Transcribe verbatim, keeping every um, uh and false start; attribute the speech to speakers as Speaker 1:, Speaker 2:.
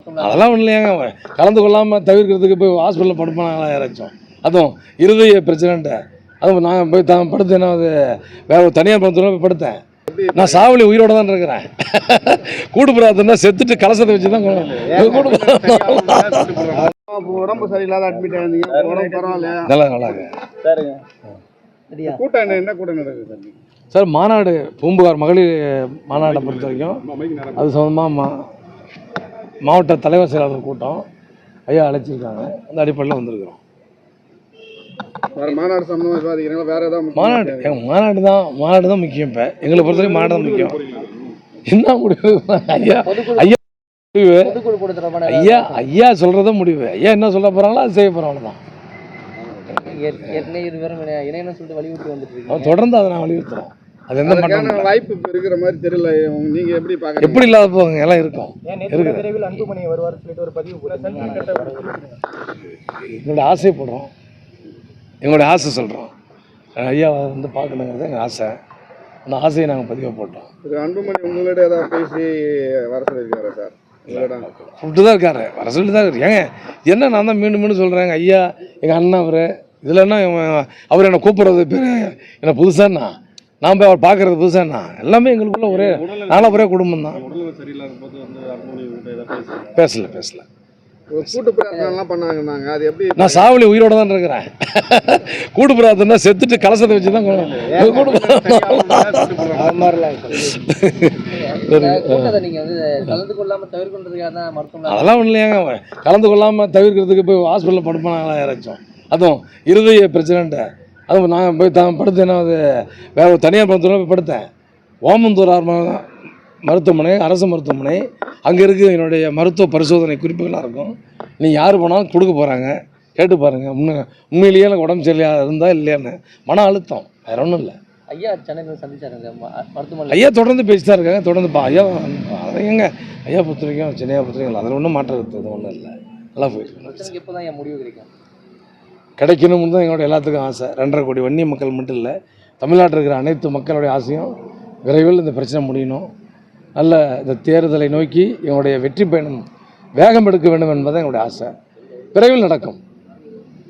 Speaker 1: மருத்துவமனை
Speaker 2: அதெல்லாம் ஒன்றும் இல்லையாங்க, கலந்து கொள்ளாமல் தவிர்க்கிறதுக்கு போய் ஹாஸ்பிட்டலில் படுப்பானாங்களா யாராச்சும்? அதுவும் இருதய பிரச்சனைன்ட்டு அதுவும் நான் போய் தான் படுத்து என்ன அது வேற ஒரு தனியார் மருத்துவமனை போய் படுத்தேன். நான் சாவலி உயிரோட தான் இருக்கிறேன். கூட்டு பிரார்த்தனை செத்துட்டு கலசத்தை வச்சு தான் கூட்டு
Speaker 3: உடம்பு சரியில்லாத அட்மிட் ஆயிருந்தீங்க, உடம்பு பரவாயில்ல?
Speaker 2: நல்லா நல்லாங்க.
Speaker 3: கூட்டம் என்ன என்ன கூட்டம் நடக்குது
Speaker 2: சார்? மாநாடு பூம்புகார் மகளிர் மாநாட்டை பொறுத்த வரைக்கும் அது சம்பந்தமாக மா மாவட்ட தலைவர் செயலாளர் கூட்டம் ஐயா அழைச்சிருக்காங்க. அந்த அடிப்படையில் வந்திருக்கிறோம்.
Speaker 3: மாநாடு சம்பந்தமாக விவாதிக்கிறீங்களா? வேற ஏதாவது
Speaker 2: மாநாடு எங்கள் மாநாடு தான் மாநாடு தான் முக்கியம். இப்போ எங்களை பொறுத்தவரைக்கும் மாநாடு தான் முக்கியம். என்ன முடிவு ஐயா ஐயா முடிவு ஐயா ஐயா சொல்கிறத முடிவு. ஐயா என்ன சொல்ல போகிறாங்களோ அது செய்ய போகிறோம். அவ்வளோதான். தொடர்ந்து அதை நான் வலியுறுத்துறோம். அது எந்த மாற்றம்
Speaker 3: வாய்ப்பு இருக்கிற மாதிரி தெரியல. நீங்க எப்படி பாக்க
Speaker 2: எப்படி இல்லாத போங்க எல்லாம் இருக்கும். எங்களுடைய ஆசைப்படுறோம், எங்களுடைய ஆசை சொல்கிறோம். ஐயா வந்து பார்க்கணுங்கிறது எங்கள் ஆசை. அந்த ஆசையை நாங்கள் பதிவாக போட்டோம்.
Speaker 3: அன்புமணி உங்களோட ஏதாவது பேசி வர சொல்லியிருக்காரா சார்?
Speaker 2: கூப்பிட்டு தான் இருக்காரு, வர சொல்லிட்டு தான் இருக்கு. ஏங்க என்ன நான் தான் மீண்டும் மீண்டும் சொல்கிறேங்க. ஐயா எங்கள் அண்ணன் அவர் இதில் என்ன அவர் என்னை கூப்பிட்றது பேர் என்ன புதுசாண்ணா, நான் போய் அவர் பார்க்குறது புதுசாண்ணா. எல்லாமே எங்களுக்குள்ள ஒரே நானும் ஒரே குடும்பம் தான். பேசல பேசல
Speaker 3: கூட்டு பிரார்த்தனை பண்ணாங்க. அது எப்படி?
Speaker 2: நான் சாவலி உயிரோட தான் இருக்கிறேன். கூட்டு பிரார்த்தனை செத்துட்டு கலசத்தை வச்சு தான் அதெல்லாம் ஒன்றும் இல்லையாங்க, கலந்து கொள்ளாமல் தவிர்க்கிறதுக்கு போய் ஹாஸ்பிட்டலில் படுப்பானாங்களா யாராச்சும்? அதுவும் இருதய பிரச்சனைன்ட்டு அதுவும் நான் போய் தான் படுத்து என்ன அது வேற ஒரு தனியார் மருத்துவமனை போய் படுத்தேன். ஓமந்தூர் மருத்துவமனை அரசு மருத்துவமனை அங்கே இருக்குது. என்னுடைய மருத்துவ பரிசோதனை குறிப்புகளாக இருக்கும். நீங்கள் யார் போனாலும் கொடுக்க போகிறாங்க, கேட்டு பாருங்கள். உண்மை உண்மையிலேயே எனக்கு உடம்பு சரியாக இருந்தால் இல்லையான்னு. மன அழுத்தம் வேறு ஒன்றும் இல்லை.
Speaker 1: ஐயா சென்னையில் சந்திச்சாருங்க மருத்துவமனை.
Speaker 2: ஐயா தொடர்ந்து பேசி தான் இருக்காங்க. தொடர்ந்து பா ஐயா எங்க ஐயா பொறுத்த வரைக்கும் சென்னையா பொறுத்த வரைக்கும் அதில் ஒன்றும் மாற்றம் இருக்குது ஒன்றும் இல்லை. நல்லா போயிருக்கு.
Speaker 1: எப்போ தான் என் முடிவு கிடைக்கும்
Speaker 2: கிடைக்கணும்னு தான் எங்களோட எல்லாத்துக்கும் ஆசை. ரெண்டரை கோடி வன்னி மக்கள் மட்டும் இல்லை, தமிழ்நாட்டில் இருக்கிற அனைத்து மக்களுடைய ஆசையும் விரைவில் இந்த பிரச்சனை முடியணும். நல்ல இந்த தேர்தலை நோக்கி எங்களுடைய வெற்றி பயணம் வேகம் எடுக்க வேண்டும் என்பது எங்களுடைய ஆசை. விரைவில் நடக்கும்.